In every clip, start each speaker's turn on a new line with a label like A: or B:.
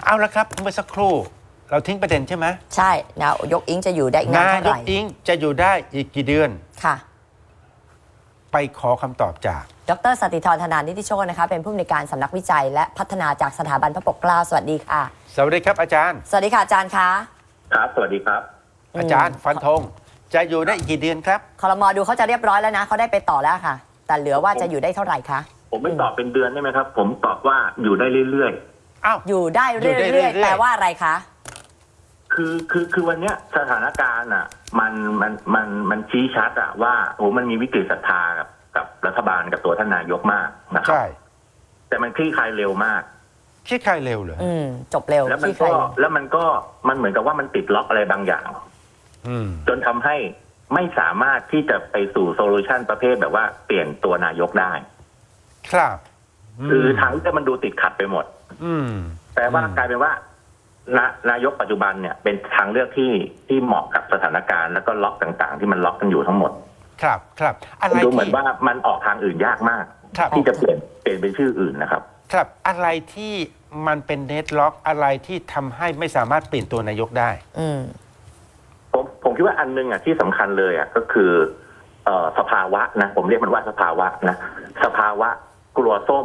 A: เอาละครับเมื่อสักครู่เราทิ้งประเด็นใช่ไหม
B: ใช่นายกอิงจะอยู่ได้อีกนานเท่าไหร่
A: นายกอิงจะอยู่ได้อีกกี่เดือน
B: ค่ะ
A: ไปขอคำตอบจาก
B: ดร.สติธร ธนานิติโชตินะคะเป็นผู้อำนวยการสำนักวิจัยและพัฒนาจากสถาบันพระปกเกล้าสวัสดีค่ะ
A: สวัสดีครับอาจารย์
B: สวัสดีค่ะอาจารย์คะ
C: ครับสวัสดีครับ
A: อาจารย์ฟันธงจะอยู่ได้อีกกี่เดือนครับ
B: ครม.ดูเขาจะเรียบร้อยแล้วนะเขาได้ไปต่อแล้วค่ะแต่เหลือว่าจะอยู่ได้เท่าไหร่คะ
C: ผมไม่ตอบเป็นเดือนได้ไหมครับผมตอบว่าอยู่ได้เรื่อย
A: อ้าว
B: อยู่ได้เรื่อยๆแปลว่าอะไรคะ
C: คือวันเนี้ยสถานการณ์อ่ะมันชี้ชัดอ่ะว่าโอ้มันมีวิกฤตศรัทธากับรัฐบาลกับตัวท่านนายกมากนะครับ
A: ใช่
C: แต่มันคลี่คลายเร็วมาก
A: คลี่คลายเร็วเลย
B: จบเร็ว
C: แล้วมันเหมือนกับว่ามันติดล็อกอะไรบางอย่างจนทำให้ไม่สามารถที่จะไปสู่โซลูชันประเภทแบบว่าเปลี่ยนตัวนายกได้
A: ครับ
C: คือทางที่มันดูติดขัดไปหมดแต่ว่ากลายเป็นว่านายกปัจจุบันเนี่ยเป็นทางเลือกที่เหมาะกับสถานการณ์แล้วก็ล็อกต่างๆที่มันล็อกกันอยู่ทั้งหมด
A: ครับอะไร
C: ดูเหมือนว่ามันออกทางอื่นยากมากที่จะเปลี่ยนเป็นชื่ออื่นนะครับ
A: ครับอะไรที่มันเป็นเดดล็อกอะไรที่ทำให้ไม่สามารถเปลี่ยนตัวนายกได้
C: ผมคิดว่าอันนึงอ่ะที่สำคัญเลยอ่ะก็คือสภาวะนะผมเรียกมันว่าสภาวะนะสภาวะกลัวส้ม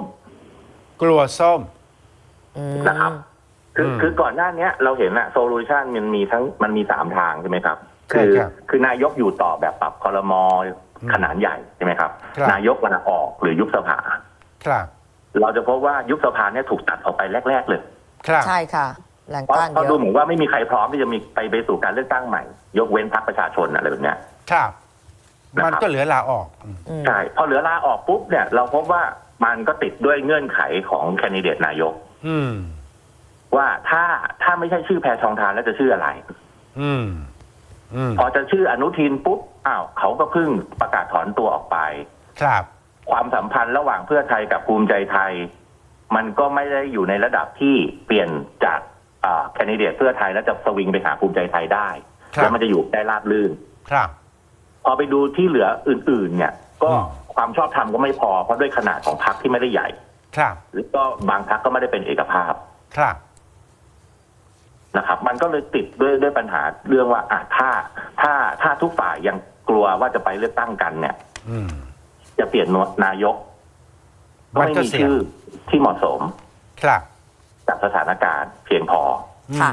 C: นะครับคือก่อนหน้านี้เราเห็นอะโซลูชันมันมี3 ทางใช่ไหมครับคือนายกอยู่ต่อแบบปรับครม.ขนาดใหญ่ใช่ไหมครับนายกลาออกหรือยุบสภาเราจะพบว่ายุบสภาเนี่ยถูกตัดออกไปแรกๆเลย
B: ใช่ค่ะ
C: เพราะดูเหมือนว่าไม่มีใครพร้อมที่จะมีไปสู่การเลือกตั้งใหม่ยกเว้นพรรคประชาชนอะไรแบบเนี้ย
A: ครับมันก็เหลือลาออก
C: ใช่พอเหลือลาออกปุ๊บเนี่ยเราพบว่ามันก็ติดด้วยเงื่อนไขของแคนดิเดตนายกว่าถ้าไม่ใช่ชื่อแพทองธารแล้วจะชื่ออะไรพอจะชื่ออนุทินปุ๊บเขาก็เพิ่งประกาศถอนตัวออกไป
A: ครับ
C: ความสัมพันธ์ระหว่างเพื่อไทยกับภูมิใจไทยมันก็ไม่ได้อยู่ในระดับที่เปลี่ยนจากแคนดิเดตเพื่อไทยแล้วจะสวิงไปหาภูมิใจไทยได้แล้วมันจะอยู่ได้ราบรื่น
A: ครับ
C: พอไปดูที่เหลืออื่นๆเนี่ยก็ความชอบธรรมก็ไม่พอเพราะด้วยขนาดของพรรคที่ไม่ได้ใหญ่
A: ครับ
C: หรือก็บางพรรคก็ไม่ได้เป็นเอกภาพ
A: ครับ
C: นะครับมันก็เลยติดด้วยปัญหาเรื่องว่าถ้าทุกฝ่ายยังกลัวว่าจะไปเลือกตั้งกันเนี่ยจะเปลี่ยนนายกก็ไม่มีชื่อที่เหมาะสม
A: ครับ
C: จากสถานการณ์เพียงพอ
B: ค่ะ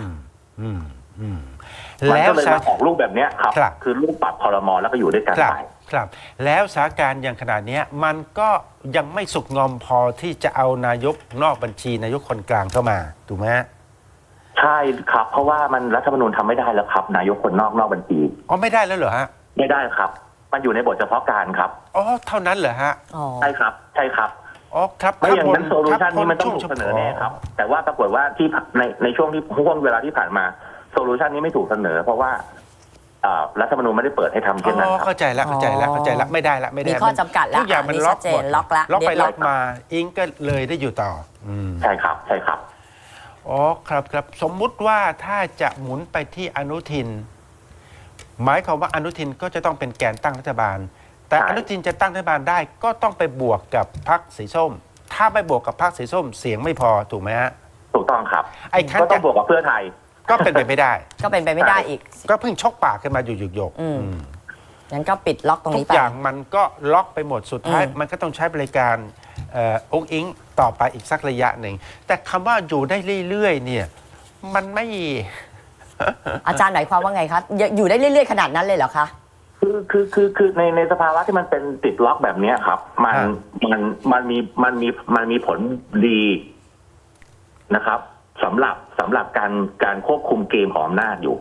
C: มันก็เลยมาออกรูปแบบนี้ครับคือรูปปรับครม.แล้วก็อยู่ด้วยกันไป
A: ครับแล้วสถานการณ์อย่างขนาดนี้มันก็ยังไม่สุกงอมพอที่จะเอานายกนอกบัญชีนายกคนกลางเข้ามาถูกไหม
C: ใช่ครับเพราะว่ามันรัฐธรรมนูญทำไม่ได้แล้วครับนายกคนนอกบัญชี
A: ไม่ได้แล้วเหรอฮะ
C: ไม่ได้ครับมันอยู่ในบทเฉพาะการครับ
A: เท่านั้นเหรอฮะ
C: ใช่ครับ
A: ครับ
C: ไม่อย่างนั้นโซลูชันนี้มันต้องถูกเสนอแน่ครับแต่ว่าปรากฏว่าที่ในช่วงเวลาที่ผ่านมาโซลูชันนี้ไม่ถูกเสนอเพราะว่ารัฐธรรมนูญไม่ได้เปิดให้ทำเช่นนั้นครับ
A: เข้าใจแล้วไม่ได้
B: มีข้อจำกัดแล้ว
A: ทุกอย่างมันล็อกหมดล็อกไปล็อกมาอิงก็เลยได้อยู่ต่อ
C: ใช่ครับ
A: ครับสมมุติว่าถ้าจะหมุนไปที่อนุทินหมายความว่าอนุทินก็จะต้องเป็นแกนตั้งรัฐบาลแต่อนุทินจะตั้งรัฐบาลได้ก็ต้องไปบวกกับพรรคสีส้มถ้าไม่บวกกับพรรคสีส้มเสียงไม่พอถูกไหมฮะ
C: ถูกต้องครับก็ต้องบวกกับเพื่อไทย
A: ก็เป็นไปไม่ได้
B: อีก
A: ก็เพิ่งชกปากขึ้นมาอยู่หยก
B: งั้นก็ปิดล็อกตรงนี้ไป
A: ทุกอย่างมันก็ล็อกไปหมดสุดท้ายมันก็ต้องใช้บริการองค์อิงต่อไปอีกสักระยะหนึ่งแต่คำว่าอยู่ได้เรื่อยๆเนี่ยมันไม่
B: อาจารย์หมายความว่าไงคะอยู่ได้เรื่อยๆขนาดนั้นเลยเหรอคะ
C: คือในสภาวะที่มันเป็นติดล็อกแบบนี้ครับมันมีผลดีนะครับสำหรับการควบคุมเกมของอำนาจอยู่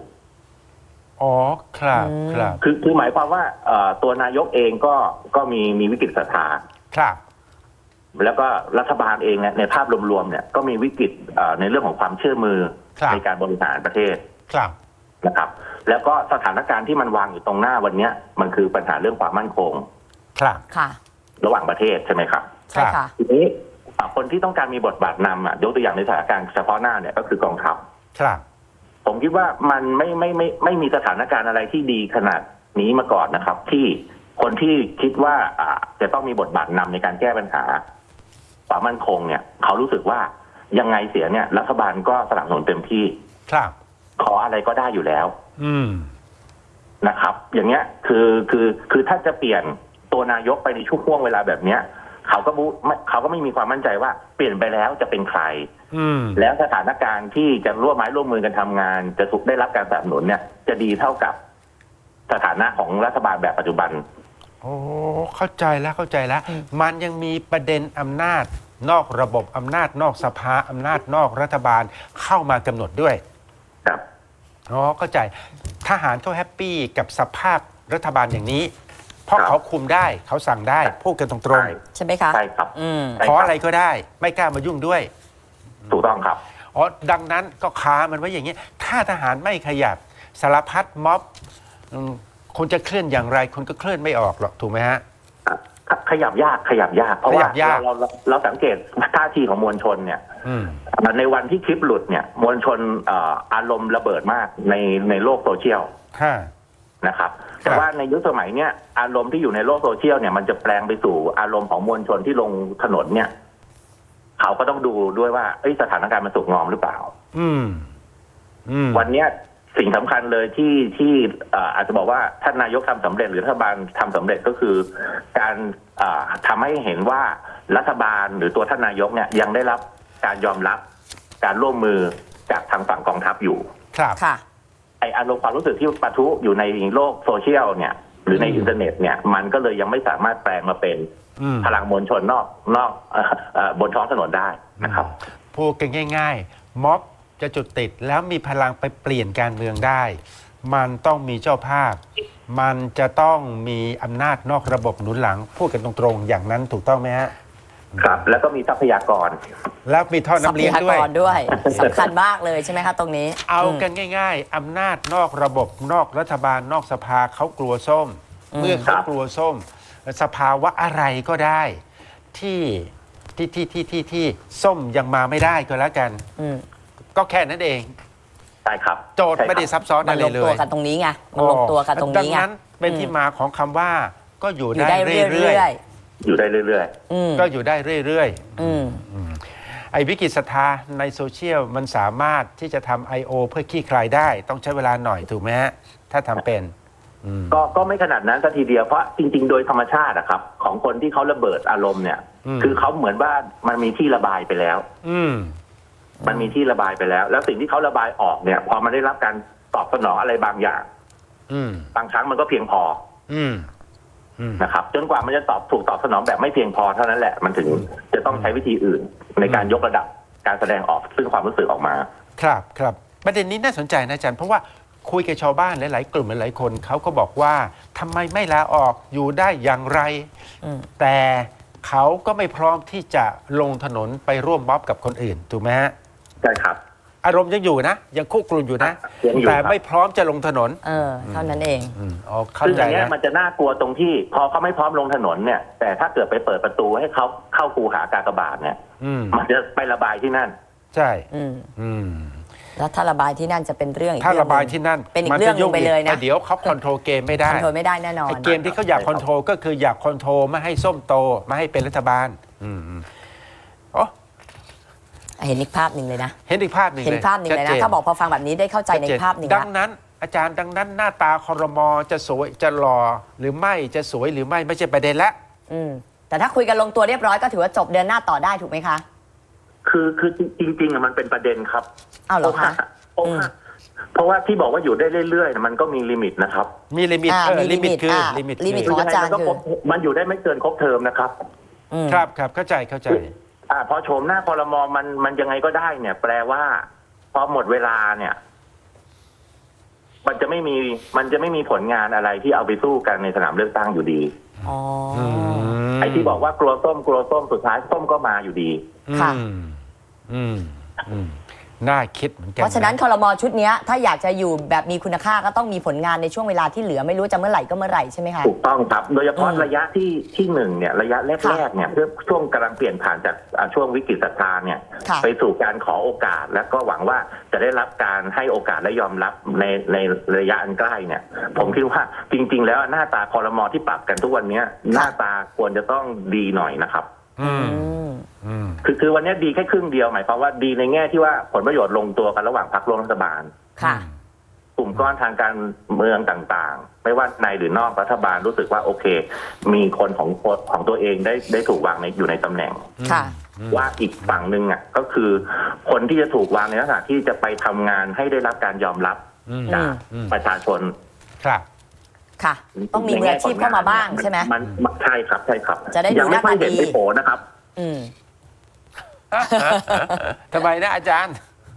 A: ครับ
C: คือหมายความว่าตัวนายกเองก็มีวิกฤตศรัทธา
A: ครับ
C: แล้วก็รัฐบาลเองในภาพรวมๆเนี่ยก็มีวิกฤตในเรื่องของความเชื่อมือในการบริหารประเทศนะครับแล้วก็สถานการณ์ที่มันวางอยู่ตรงหน้าวันนี้มันคือปัญหาเรื่องความมั่นคงระหว่างประเทศใช่ไหมครับ
B: ใช่ค่ะ
C: ทีนี้คนที่ต้องการมีบทบาทนำยกตัวอย่างในสถานการณ์เฉพาะหน้าเนี่ยก็คือกองทัพผมคิดว่ามันไม่มีสถานการณ์อะไรที่ดีขนาดนี้มาก่อนนะครับที่คนที่คิดว่าจะต้องมีบทบาทนำในการแก้ปัญหาความมั่นคงเนี่ยเขารู้สึกว่ายังไงเสียเนี่ยรัฐบาลก็สนับสนุนเต็มที่
A: ครับ
C: ขออะไรก็ได้อยู่แล้ว
A: อืม
C: นะครับ อย่างเงี้ยคือถ้าจะเปลี่ยนตัวนายกไปในช่วงเวลาแบบเนี้ยเขาก็ไม่มีความมั่นใจว่าเปลี่ยนไปแล้วจะเป็นใคร
A: อืม
C: แล้วสถานการณ์ที่จะร่วมไม้ร่วมมือกันทำงาน จะถูกได้รับการสนับสนุนเนี่ย จะดีเท่ากับสถานะของรัฐบาลแบบปัจจุบัน
A: โอ้เข้าใจแล้วมันยังมีประเด็นอำนาจนอกระบบอำนาจนอกสภาอำนาจนอกรัฐบาลเข้ามากำหนดด้วย
C: ครับ
A: อ๋อเข้าใจทหารเขาแฮปปี้กับสภาพรัฐบาลอย่างนี้ เพราะ
C: ครับ
A: เขาคุมได้เขาสั่งได้พูดกันตรง
C: ใช่
B: ใช่ไหมคะ
C: ใช่ครับ
B: อืม
C: ใช่
A: ๆขออะไรก็ได้ ไม่กล้ามายุ่งด้วย
C: ถูกต้องครับ
A: อ๋อดังนั้นก็ค้ามันไว้อย่างนี้ ถ้าทหารไม่ขยับสารพัดม็อบคนจะเคลื่อนอย่างไรคนก็เคลื่อนไม่ออกหรอกถูกไหมฮะ
C: ขยับยากเพราะว่า
A: ขยับยาก
C: เราสังเกตท่าทีของมวลชนเนี่ย
A: อืม
C: ในวันที่คลิปหลุดเนี่ยมวลชนอารมณ์ระเบิดมากในโลกโซเชียล
A: ค่ะ
C: นะครับแต่ว่าในยุคสมัยเนี้ยอารมณ์ที่อยู่ในโลกโซเชียลเนี่ยมันจะแปลงไปสู่อารมณ์ของมวลชนที่ลงถนนเนี่ยเขาก็ต้องดูด้วยว่าสถานการณ์มันสุกงอมหรือเปล่า
A: อืม
C: วันเนี้ยสิ่งสำคัญเลยที่อาจจะบอกว่าท่านนายกทำสำเร็จหรือรัฐบาลทำสำเร็จก็คือการทำให้เห็นว่ารัฐบาลหรือตัวท่านนายกเนี่ยยังได้รับการยอมรับการร่วมมือจากทางฝั่งกองทัพอยู่
A: ครับ
B: ค่ะ
C: ไออารมณ์ความรู้สึกที่ปะทุอยู่ในโลกโซเชียลเนี่ยหรือในอินเทอร์เน็ตเนี่ยมันก็เลยยังไม่สามารถแปลงมาเป็น
A: อืม
C: พลังมวลชนนอกบนท้องถนนได้นะครับ
A: พูดกันง่ายๆ ม็อบจะจุดติดแล้วมีพลังไปเปลี่ยนการเมืองได้ มันต้องมีเจ้าภาพ มันจะต้องมีอำนาจนอกระบบหนุนหลัง พูดกันตรงๆ อย่างนั้นถูกต้องไหมฮะ
C: ครับ แล้วก็มีทรัพยากร
A: แล้วมีท่อ
B: ทรั
A: น้ำ
B: พ
A: เลี้ยง
B: ยา
A: ด้วย
B: กรด้วยสำคัญมากเลยใช่ไหมคะตรงนี้
A: เอากันง่ายๆ อำนาจนอกระบบนอกรัฐบาลนอกสภาเขากลัวส้ม เมื่อเขากลัวส้ม สภาวะอะไรก็ได้ที่ส้มยังมาไม่ได้ก็แล้วกัน
B: อืม
A: ก็แค่นั้นเอง
C: ใช่ครับ
A: โจทย์ไม่ได้ซับซ้อน
B: มั
A: อะ
B: น
A: ไร
B: ลง
A: เล
B: ตัวย กันตรงนี้ไงมันลงตัวกันตรงนี้ไง
A: ดังนั้นเป็นที่มาของคำว่าก็อยู่
B: อยู่
A: ได้
B: ได้
A: เรื่
B: เรื่
A: อย
B: อย
C: อยู่ได้เรื่อย
B: ๆอืม
A: ๆก็อยู่ได้เรื่อย
B: อืม
A: ๆไอ้วิกฤตศรัทธาในโซเชียลมันสามารถที่จะทำ I.O. เพื่อขี้คลายได้ต้องใช้เวลาหน่อยถูกไหมฮะถ้าทำเป็น
C: ก็ไม่ขนาดนั้นสัทีเดียวเพราะจริงๆโดยธรรมชาติอะครับของคนที่เขาระเบิดอารมณ์เนี่ย คือเขาเหมือนว่ามันมีที่ระบายไปแล้ว มันมีที่ระบายไปแล้ว แล้วสิ่งที่เขาระบายออกเนี่ยพอมันได้รับการตอบสนองอะไรบางอย่างบางครั้งมันก็เพียงพอนะครับจนกว่ามันจะถูกตอบสนองแบบไม่เพียงพอเท่านั้นแหละมันถึงจะต้องใช้วิธีอื่นในการยกระดับการแสดงออกซึ่งความรู้สึกออกมา
A: ครับประเด็นนี้น่าสนใจนะอาจารย์เพราะว่าคุยกับชาวบ้านหลายๆกลุ่มหลายๆคนเขาก็บอกว่าทำไมไม่ลาออกอยู่ได้อย่างไรแต่เขาก็ไม่พร้อมที่จะลงถนนไปร่วมม็อบกับคนอื่นถูกไหมฮะ
C: ใช่ครับ
A: อารมณ์ยังอยู่นะยังคุกรุ่นอยู่นะแต่ไม่พร้อมจะลงถนน
B: เท่านั้นเอง
A: อ๋อเข้าใจ
C: ซึ่งอย่างนี้
A: นะ
C: มันจะน่ากลัวตรงที่พอเขาไม่พร้อมลงถนนเนี่ยแต่ถ้าเกิดไปเปิดประตูให้เขาเข้าคูหากากบาทเนี่ยมันจะไประบายที่นั่น
A: ใช่
B: แล้วถ้าระบายที่นั่นจะเป็นเรื่องอีก
A: ถ้าระบายที่นั่น
B: เป็นอีกเรื่องนึงไปเลยนะ
A: เดี๋ยวเขาคอนโทรลเกมไม่ได้
B: คอนโทรลไม่ได้แน่นอน
A: เกมที่เขาอยากคอนโทรลก็คืออยากคอนโทรลไม่ให้ส้มโตไม่ให้เป็นรัฐบาลอ๋อ
B: เห็นอีกภาพหนึ่งเลยนะ
A: เห็นอีกภาพหนึ่ง
B: เลยนะถ้าบอกพอฟังแบบนี้ได้เข้าใจในภาพหนึ่ง
A: ดังนั้นอาจารย์ดังนั้นหน้าตาครม.จะสวยจะหล่อหรือไม่จะสวยหรือไม่ใช่ประเด็นละ
B: แต่ถ้าคุยกันลงตัวเรียบร้อยก็ถือว่าจบเดือนหน้าต่อได้ถูกไหมคะ
C: คือจริงๆมันเป็นประเด็นครับ
B: อ้าวเหรอคะ
C: เพราะว่าที่บอกว่าอยู่ได้เรื่อยๆมันก็มีลิมิตนะครับ
A: มีลิมิตลิมิตคือ
B: ลิมิตของอาจารย์คือ
C: มันอยู่ได้ไม่เกินครบเทอมนะครับ
A: ครับเข้าใจ
C: พอโฉมหน้าครม.มันยังไงก็ได้เนี่ยแปลว่าพอหมดเวลาเนี่ยมันจะไม่มีผลงานอะไรที่เอาไปสู้กันในสนามเลือกตั้งอยู่ดีไอ้ที่บอกว่ากลัวส้มสุดท้ายส้มก็มาอยู่ดี
B: ค่ะ
A: น่าคิดเหมือนกัน
B: เพราะฉะนั้นครม.ชุดนี้ถ้าอยากจะอยู่แบบมีคุณค่าก็ต้องมีผลงานในช่วงเวลาที่เหลือไม่รู้จะเมื่อไหร่ก็เมื่อไหร่ใช่ไหมคะ
C: ถูกต้องครับโดยเฉพาะระยะที่หนึ่งเนี่ยระยะแรกๆเนี่ยช่วงกำลังเปลี่ยนผ่านจากช่วงวิกฤตศรัทธาเนี่ยไปสู่การขอโอกาสแล้วก็หวังว่าจะได้รับการให้โอกาสและยอมรับในระยะอันใกล้เนี่ยผมคิดว่าจริงๆแล้วหน้าตาครม.ที่ปรับกันทุกวันนี้หน้าตาควรจะต้องดีหน่อยนะครับ
A: อืม
B: อืม
A: อืม
C: คือวันนี้ดีแค่ครึ่งเดียวหมายความว่าดีในแง่ที่ว่าผลประโยชน์ลงตัวกันระหว่างพรรคร่วมรัฐบาล
B: ค่ะ
C: กลุ่มก้อนทางการเมืองต่างๆ ไม่ว่าในหรือนอกรัฐบาลรู้สึกว่าโอเค มีคนของตัวเองได้ถูกวางอยู่ในตำแหน่ง
B: ค่ะ
C: ว่าอีกฝั่งหนึ่งอ่ะก็คือคนที่จะถูกวางในลักษณะที่จะไปทำงานให้ได้รับการยอมรับ
A: อืม
C: จาก
A: อืม
C: ประชาชน
A: ครับ
B: ค่ะ ต้องมีมืออาชีพเข้ามาบ้างใช่ไหม
C: มันใช่ครับใช่ครับ
B: จะได้ดู
C: ยังไม่ค่อย
B: หน้าตา
C: เห็น
B: ดี
C: ในโผนะครับ
B: อืม
A: ทำไมนะอาจารย์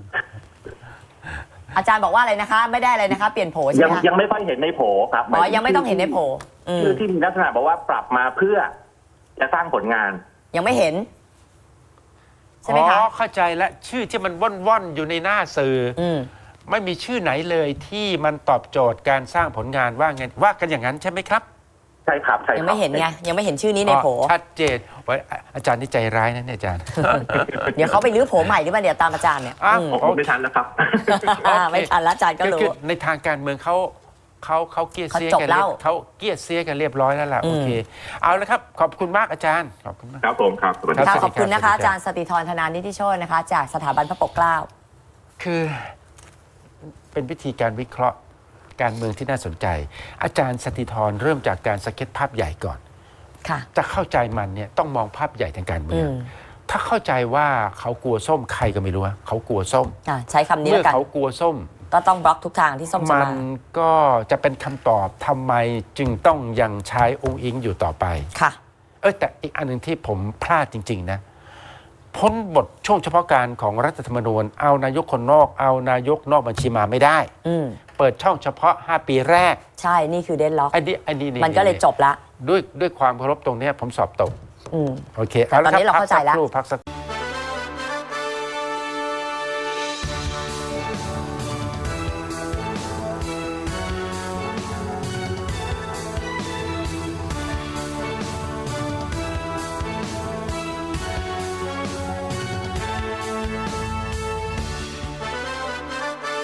B: อาจารย์บอกว่าอะไรนะคะ ไม่ได้อะไรนะคะ เปลี่ยนโผใช่ไหมคะ
C: ยังไม่ค่อยเห็นในโผครับ
B: อ๋อยังไม่ต้องเห็นในโผอืม
C: ชื่อที่มีลักษณะบอกว่าปรับมาเพื่อจะสร้างผลงาน
B: ยังไม่เห็น ใช่ไหม
A: อ๋
B: คะ
A: อ เข้าใจแล้วชื่อที่มันว่อนๆอยู่ในหน้าสื่ออ
B: อืม
A: ไม่มีชื่อไหนเลยที่มันตอบโจทย์การสร้างผลงานว่าไงว่ากันอย่างนั้นใช่ไหมครับ
C: ใช่ครับใช่ครับ
B: ยังไม่เห็นไง ยังไม่เห็นชื่อนี้ในโผ
A: อ๋อชัดเจนไว้อาจารย์นี่ใจร้ายนะเนี่ยอาจารย์
B: เดี๋ยวเขาไปรื้อโผใหม่หรือเปล่าเดี๋ยวตามอาจารย์เนี่ย
A: อ้าว
B: อืม
C: ผมไม่ทันแล้วครับ
B: ไม่ทันละอาจารย์ก็รู้
A: คือในทางการเมืองเขาเกลียดเสีย
B: เขาจบ
A: กัน
B: แล้ว
A: เขาเกลียดเสียกันเรียบร้อยแล้วล่ะ
B: อืม
A: โอเค เอาละครับ ขอบคุณมากอาจารย์ขอบคุณมาก
C: ครับผมครับสวัสดี
A: รั
C: ครับ
B: ค่ะ
A: สวัสดี
B: ขอบคุณนะคะ
A: สวัสดีครับ
B: อาจารย์สติธรธนานิติโชตนะคะ จากสถาบันพระปกเกล้า
A: คือเป็นวิธีการวิเคราะห์การเมืองที่น่าสนใจ อาจารย์สติธรเริ่มจากการสเก็ตภาพใหญ่ก่อน
B: ค่ะ
A: จะเข้าใจมันเนี่ยต้องมองภาพใหญ่ทางการเมื
B: อื
A: อง
B: ม
A: ถ้าเข้าใจว่าเขากลัวส้มใครก็ไม่รู้ว่าเขากลัวส้ม
B: ใช้คำนี้
A: เมื่
B: แล้
A: อ
B: วกัน
A: เขากลัวส้ม
B: ก็ต้องบล็อกทุกทางที่ส้มจะ
A: มั
B: มา
A: นก็จะเป็นคำตอบทำไมจึงต้องยังใช้องค์อิงอยู่ต่อไป
B: ค่ะ
A: แต่อีกอันหนึ่งที่ผมพลาดจริง ๆ นะ พ้นบทช่วงเฉพาะการของรัฐธรรมนูญเอานายกคนนอกเอานายกนอกบัญชีมาไม่ได้
B: อืม
A: เปิดช่องเฉพาะ 5 ปีแรก
B: ใช่ นี่คือเดนล็อก
A: อันนี้
B: มันก็เลยจบละ
A: ด้วยความเคารพตรงเนี้ยผมสอบตก
B: อืม
A: โอเค
B: แต่ตอนนี้เราเข้าใจแล้ว
A: พักสักครู่